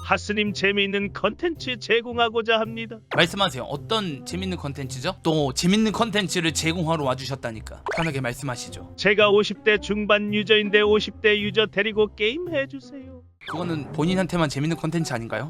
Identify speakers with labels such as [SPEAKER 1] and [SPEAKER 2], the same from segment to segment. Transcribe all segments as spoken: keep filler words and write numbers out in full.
[SPEAKER 1] 하스님 재미있는 컨텐츠 제공하고자 합니다.
[SPEAKER 2] 말씀하세요. 어떤 재밌는 컨텐츠죠? 또 재밌는 컨텐츠를 제공하러 와주셨다니까 편하게 말씀하시죠.
[SPEAKER 1] 제가 오십 대 중반 유저인데 오십 대 유저 데리고 게임 해주세요.
[SPEAKER 2] 그거는 본인한테만 재밌는 컨텐츠 아닌가요?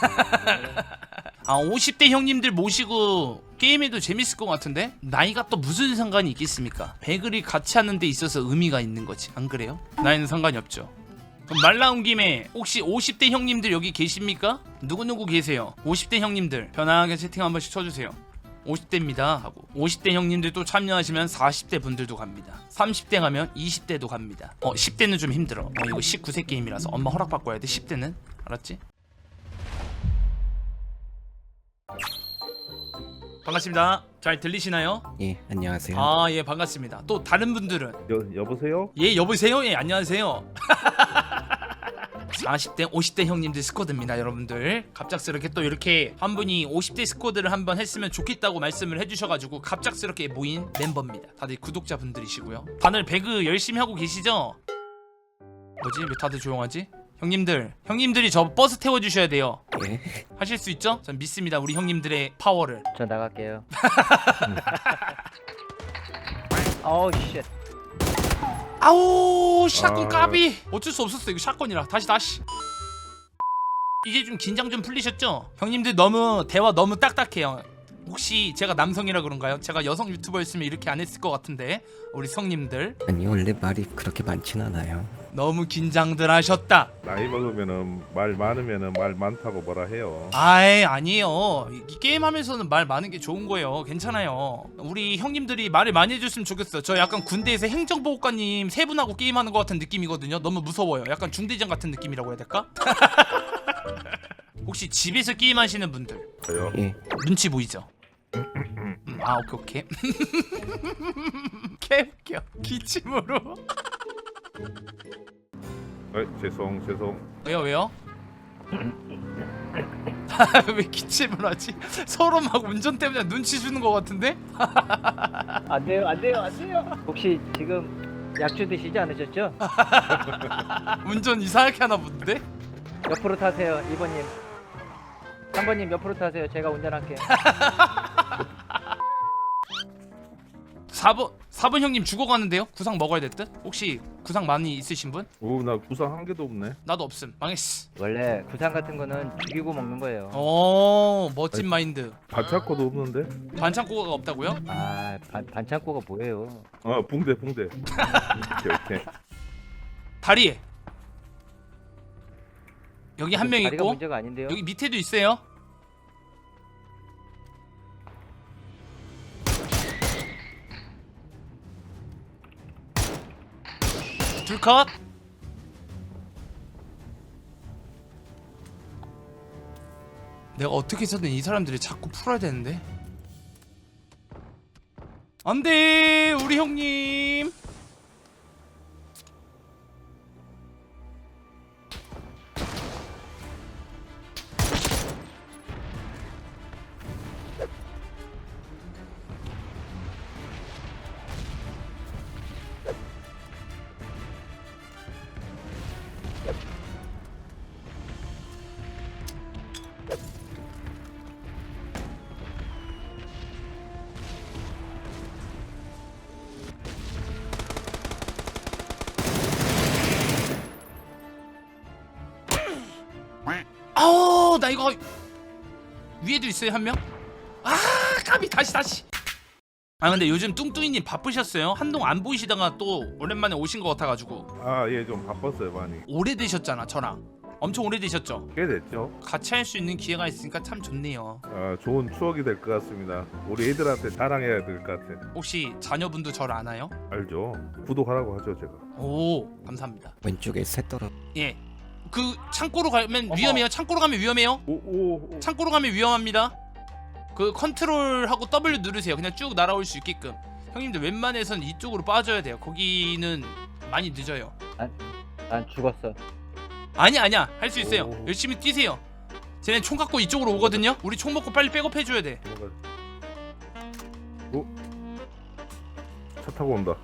[SPEAKER 2] 아 오십 대 형님들 모시고 게임해도 재밌을 것 같은데? 나이가 또 무슨 상관이 있겠습니까? 배그를 같이 하는 데 있어서 의미가 있는 거지, 안 그래요? 나이는 상관이 없죠. 그럼 말 나온 김에 혹시 오십 대 형님들 여기 계십니까? 누구누구 계세요? 오십 대 형님들 편하게 채팅 한 번씩 쳐주세요. 오십 대입니다 하고 오십 대 형님들도 참여하시면 사십 대 분들도 갑니다. 삼십 대 가면 이십 대도 갑니다. 어 십 대는 좀 힘들어. 어, 이거 십구 세 게임이라서 엄마 허락받고 해야 돼. 십 대는 알았지? 반갑습니다. 잘 들리시나요?
[SPEAKER 3] 예, 안녕하세요.
[SPEAKER 2] 아 예 반갑습니다. 또 다른 분들은
[SPEAKER 4] 여, 여보세요?
[SPEAKER 2] 예 여보세요? 예 안녕하세요. 사십 대 오십 대 형님들 스쿼드입니다 여러분들. 갑작스럽게 또 이렇게 한 분이 오십 대 스쿼드를 한번 했으면 좋겠다고 말씀을 해주셔가지고 갑작스럽게 모인 멤버입니다. 다들 구독자분들이시고요. 다들 배그 열심히 하고 계시죠? 뭐지 왜 다들 조용하지? 형님들 형님들이 저 버스 태워주셔야 돼요.
[SPEAKER 3] 예.
[SPEAKER 2] 하실 수 있죠? 전 믿습니다 우리 형님들의 파워를.
[SPEAKER 5] 저 나갈게요. 어우 쉣.
[SPEAKER 2] 아우 샷건
[SPEAKER 4] 아.
[SPEAKER 2] 까비. 어쩔 수 없었어 이거 샷건이라. 다시 다시. 이제 좀 긴장 좀 풀리셨죠? 형님들 너무 대화 너무 딱딱해요. 혹시 제가 남성이라 그런가요? 제가 여성 유튜버였으면 이렇게 안 했을 것 같은데 우리 성님들
[SPEAKER 3] 아니 원래 말이 그렇게 많진 않아요.
[SPEAKER 2] 너무 긴장들 하셨다.
[SPEAKER 4] 나이 먹으면은 말 많으면은 말 많다고 뭐라 해요.
[SPEAKER 2] 아이 아니에요. 이, 이 게임하면서는 말 많은 게 좋은 거예요. 괜찮아요. 우리 형님들이 말을 많이 해줬으면 좋겠어요. 저 약간 군대에서 행정보호관님 세 분하고 게임하는 것 같은 느낌이거든요. 너무 무서워요. 약간 중대장 같은 느낌이라고 해야 될까? 혹시 집에서 게임하시는 분들
[SPEAKER 4] 저요?
[SPEAKER 3] 예.
[SPEAKER 2] 눈치 보이죠? 음, 아 오케이 오케이. 개웃겨. 기침으로.
[SPEAKER 4] 어, 죄송 죄송.
[SPEAKER 2] 왜요 왜요? 왜 기침을 하지? 서로 막 운전 때문에 눈치 주는 것 같은데?
[SPEAKER 5] 안 돼요, 안 돼요, 안 돼요. 혹시 지금 약주 드시지 않으셨죠?
[SPEAKER 2] 운전 이상하게 하나 본데?
[SPEAKER 5] 옆으로 타세요, 이 번님. 삼 번님 옆으로 타세요. 제가 운전할게요.
[SPEAKER 2] 사 번 사 번 형님 죽어가는데요? 구상 먹어야 될 듯? 혹시 구상 많이 있으신 분?
[SPEAKER 4] 오, 나 구상 한 개도 없네.
[SPEAKER 2] 나도 없음. 망했어.
[SPEAKER 5] 원래 구상 같은 거는 죽이고 먹는 거예요.
[SPEAKER 2] 오 멋진 마인드.
[SPEAKER 4] 반창고도 없는데?
[SPEAKER 2] 반창고가 없다고요?
[SPEAKER 5] 아, 반, 반창고가 뭐예요?
[SPEAKER 4] 어, 붕대 붕대. 오케이 오케이.
[SPEAKER 2] 다리에 여기 한 명
[SPEAKER 5] 다리가
[SPEAKER 2] 있고
[SPEAKER 5] 문제가 아닌데요?
[SPEAKER 2] 여기 밑에도 있어요. 둘 컷. 내가 어떻게 해서든 이 사람들이 자꾸 풀어야 되는데. 안돼 우리 형님. 아우 나 이거 위에도 있어요 한 명? 아 까비 다시 다시. 아 근데 요즘 뚱뚱이님 바쁘셨어요? 한동안 안 보이시다가 또 오랜만에 오신 것 같아가지고.
[SPEAKER 4] 아, 예, 좀 바빴어요 많이.
[SPEAKER 2] 오래되셨잖아 저랑. 엄청 오래되셨죠?
[SPEAKER 4] 꽤 됐죠?
[SPEAKER 2] 같이 할 수 있는 기회가 있으니까 참 좋네요.
[SPEAKER 4] 아, 좋은 추억이 될 것 같습니다. 우리 애들한테 자랑해야 될 것 같아.
[SPEAKER 2] 혹시 자녀분도 저를 아나요?
[SPEAKER 4] 알죠? 구독하라고 하죠 제가.
[SPEAKER 2] 오 감사합니다.
[SPEAKER 3] 왼쪽에 새 떨어.
[SPEAKER 2] 예. 그 창고로 가면 위험해요. 창고로 가면 위험해요.
[SPEAKER 4] 오, 오, 오.
[SPEAKER 2] 창고로 가면 위험합니다. 그 컨트롤하고 더블유 누르세요. 그냥 쭉 날아올 수 있게끔. 형님들 웬만해선 이쪽으로 빠져야 돼요. 거기는 많이 늦어요.
[SPEAKER 5] 난 죽었어.
[SPEAKER 2] 아니 아니야 할 수 있어요.
[SPEAKER 4] 오.
[SPEAKER 2] 열심히 뛰세요. 쟤네 총 갖고 이쪽으로 오거든요. 우리 총 먹고 빨리 백업 해줘야 돼.
[SPEAKER 4] 도망가. 오, 차 타고 온다.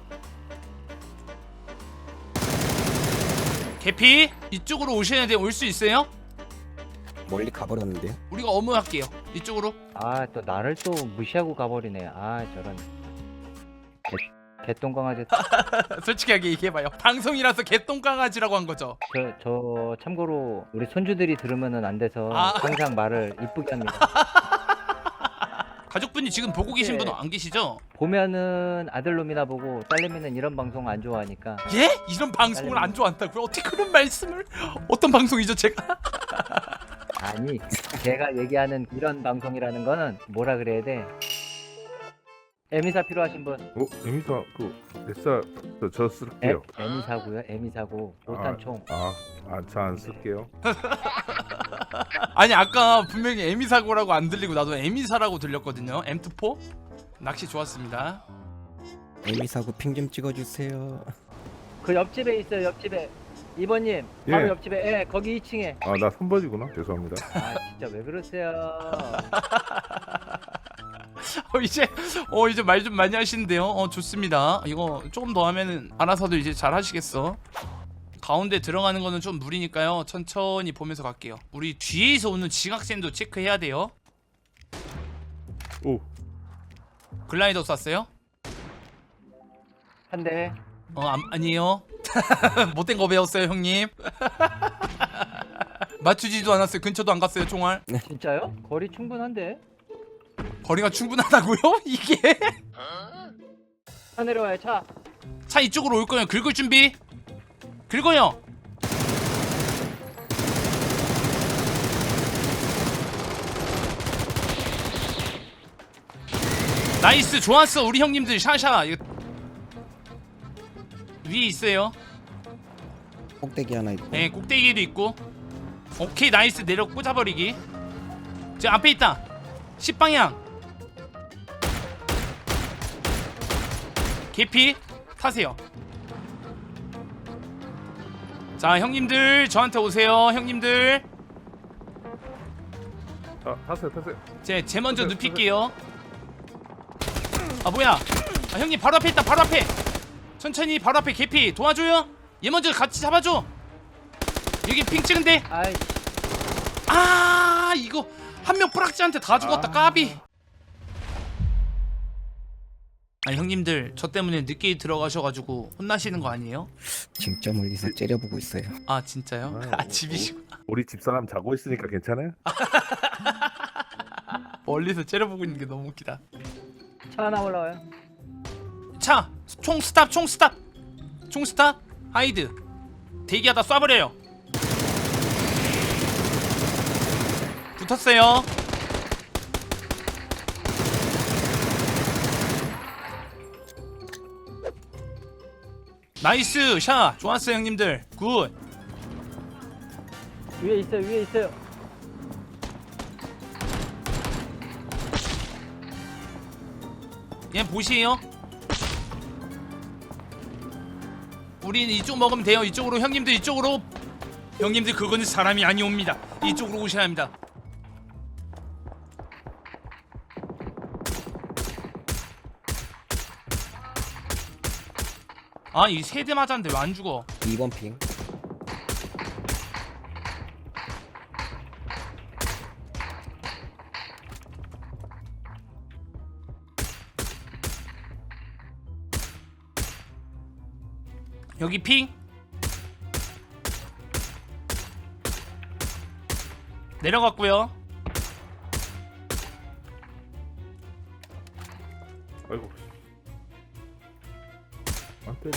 [SPEAKER 2] 개피 이쪽으로 오셔야 돼. 올 수 있어요?
[SPEAKER 3] 멀리 가버렸는데요.
[SPEAKER 2] 우리가 어무할게요. 이쪽으로.
[SPEAKER 5] 아 또 나를 또 무시하고 가버리네. 아 저런 개, 개똥강아지.
[SPEAKER 2] 솔직하게 얘기해봐요. 방송이라서 개똥강아지라고 한 거죠.
[SPEAKER 5] 저, 저 참고로 우리 손주들이 들으면은 안 돼서
[SPEAKER 2] 아.
[SPEAKER 5] 항상 말을 이쁘게 합니다.
[SPEAKER 2] 가족분이 지금 보고 계신
[SPEAKER 5] 네.
[SPEAKER 2] 분은 안 계시죠?
[SPEAKER 5] 보면은 아들놈이나 보고 딸내미는 이런 방송 안 좋아하니까.
[SPEAKER 2] 예? 이런 방송을 안 좋아한다고요? 어떻게 그런 말씀을? 어떤 방송이죠 제가?
[SPEAKER 5] 아니 제가 얘기하는 이런 방송이라는 거는 뭐라 그래야 돼? 에미사 필요하신 분?
[SPEAKER 4] 어? 에미사 그 에사 저, 저
[SPEAKER 5] 에,
[SPEAKER 4] 쓸게요.
[SPEAKER 5] 에미사고요. 에미사고 오탄총.
[SPEAKER 4] 아, 아, 저 안 쓸게요.
[SPEAKER 2] 아니 아까 분명히 에미사고라고 안 들리고 나도 에미사라고 들렸거든요. 엠투포? 낚시 좋았습니다.
[SPEAKER 3] 에미 사고 핑 좀 찍어주세요.
[SPEAKER 5] 그 옆집에 있어요. 옆집에. 이번님
[SPEAKER 4] 예.
[SPEAKER 5] 바로 옆집에. 예, 거기 이 층에.
[SPEAKER 4] 아, 나 선버지구나. 죄송합니다.
[SPEAKER 5] 아 진짜 왜 그러세요?
[SPEAKER 2] 어 이제 어 이제 말 좀 많이 하시는데요. 어 좋습니다. 이거 조금 더 하면은 알아서도 이제 잘 하시겠어. 가운데 들어가는 거는 좀 무리니까요. 천천히 보면서 갈게요. 우리 뒤에서 오는 지각센도 체크해야 돼요.
[SPEAKER 4] 오,
[SPEAKER 2] 글라이더 쐈어요?
[SPEAKER 5] 한 대.
[SPEAKER 2] 어 안, 아니에요. 못된 거 배웠어요 형님. 맞추지도 않았어요. 근처도 안 갔어요 총알.
[SPEAKER 5] 진짜요? 거리 충분한데?
[SPEAKER 2] 거리가 충분하다고요? 이게?
[SPEAKER 5] 차 내려와요 차.
[SPEAKER 2] 차 이쪽으로 올 거예요. 긁을 준비. 긁어요. 나이스 좋았어 우리 형님들 샤샤. 이거 위에 있어요.
[SPEAKER 3] 꼭대기 하나 있고.
[SPEAKER 2] 네 꼭대기에도 있고. 오케이 나이스 내려 꽂아버리기. 저 앞에 있다. 십 방향. 개피 타세요. 자 형님들 저한테 오세요. 형님들
[SPEAKER 4] 아, 타세요, 타세요.
[SPEAKER 2] 제, 제 먼저
[SPEAKER 4] 그래,
[SPEAKER 2] 눕힐게요. 아 뭐야 아, 형님 바로 앞에 있다. 바로 앞에 천천히 바로 앞에 개피 도와줘요. 얘 먼저 같이 잡아줘. 여기 핑 찍은데.
[SPEAKER 5] 아이
[SPEAKER 2] 아 이거 한 명 뿌락지한테 다 죽었다.
[SPEAKER 4] 아.
[SPEAKER 2] 까비. 아 형님들 저 때문에 늦게 들어가셔가지고 혼나시는 거 아니에요?
[SPEAKER 3] 진짜 멀리서 째려보고 있어요.
[SPEAKER 2] 아 진짜요?
[SPEAKER 4] 아유,
[SPEAKER 2] 아 집이시구나.
[SPEAKER 4] 우리 집사람 자고 있으니까 괜찮아요?
[SPEAKER 2] 멀리서 째려보고 있는 게 너무 웃기다.
[SPEAKER 5] 차 하나 올라와요.
[SPEAKER 2] 차! 총 스탑! 총 스탑! 총 스탑! 하이드 대기하다 쏴버려요. 붙었어요. 나이스 샷! 좋았어요 형님들. 굿.
[SPEAKER 5] 위에 있어요. 위에 있어요.
[SPEAKER 2] 얘 보시에요. 우린 이쪽 먹으면 돼요. 이쪽으로 형님들 이쪽으로. 형님들 그거는 사람이 아니옵니다. 이쪽으로 오셔야 합니다. 아 이 세대 맞았는데 왜 안 죽어?
[SPEAKER 3] 이 번 핑.
[SPEAKER 2] 여기 핑. 내려갔고요.
[SPEAKER 4] 아이고. 안 때려.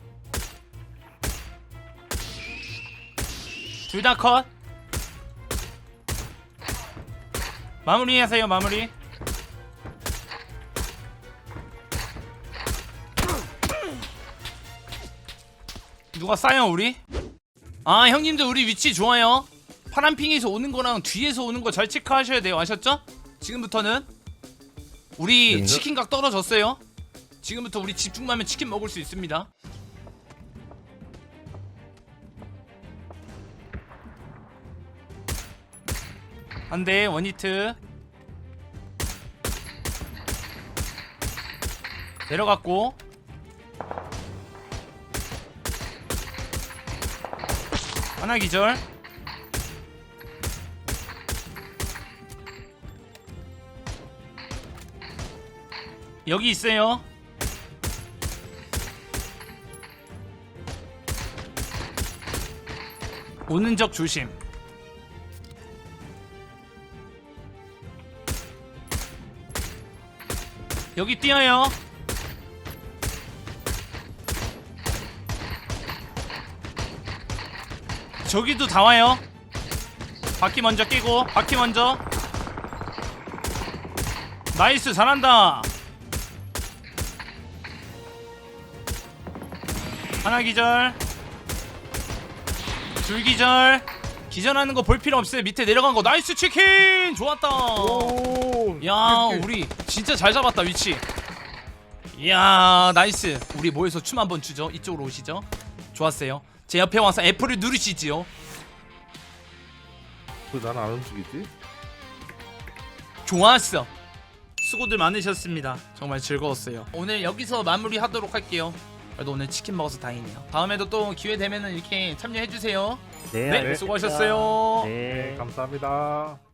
[SPEAKER 2] 둘 다 컷. 마무리하세요. 마무리. 누가 싸요 우리? 아 형님들 우리 위치 좋아요. 파란핑에서 오는 거랑 뒤에서 오는 거 잘 체크하셔야 돼요. 아셨죠? 지금부터는 우리
[SPEAKER 3] 네.
[SPEAKER 2] 치킨각 떨어졌어요. 지금부터 우리 집중만 하면 치킨 먹을 수 있습니다. 안돼 원히트. 내려갔고 하나 기절. 여기 있어요. 오는 적 조심. 여기 뛰어요. 저기도 다 와요. 바퀴 먼저 끼고, 바퀴 먼저. 나이스, 잘한다. 하나 기절, 둘 기절. 기절하는 거 볼 필요 없어요. 밑에 내려간 거. 나이스 치킨. 좋았다.
[SPEAKER 4] 오,
[SPEAKER 2] 야,
[SPEAKER 4] 이렇게.
[SPEAKER 2] 우리 진짜 잘 잡았다 위치. 이야, 나이스. 우리 모여서 춤 한번 추죠. 이쪽으로 오시죠. 좋았어요. 제 옆에 와서 F를 누르시지요.
[SPEAKER 4] 왜 나는 안 움직이지?
[SPEAKER 2] 좋았어. 수고들 많으셨습니다. 정말 즐거웠어요. 오늘 여기서 마무리하도록 할게요. 그래도 오늘 치킨 먹어서 다행이네요. 다음에도 또 기회 되면은 이렇게 참여해 주세요.
[SPEAKER 5] 네,
[SPEAKER 2] 네,
[SPEAKER 5] 알겠습니다.
[SPEAKER 2] 수고하셨어요.
[SPEAKER 5] 네.
[SPEAKER 4] 네, 감사합니다.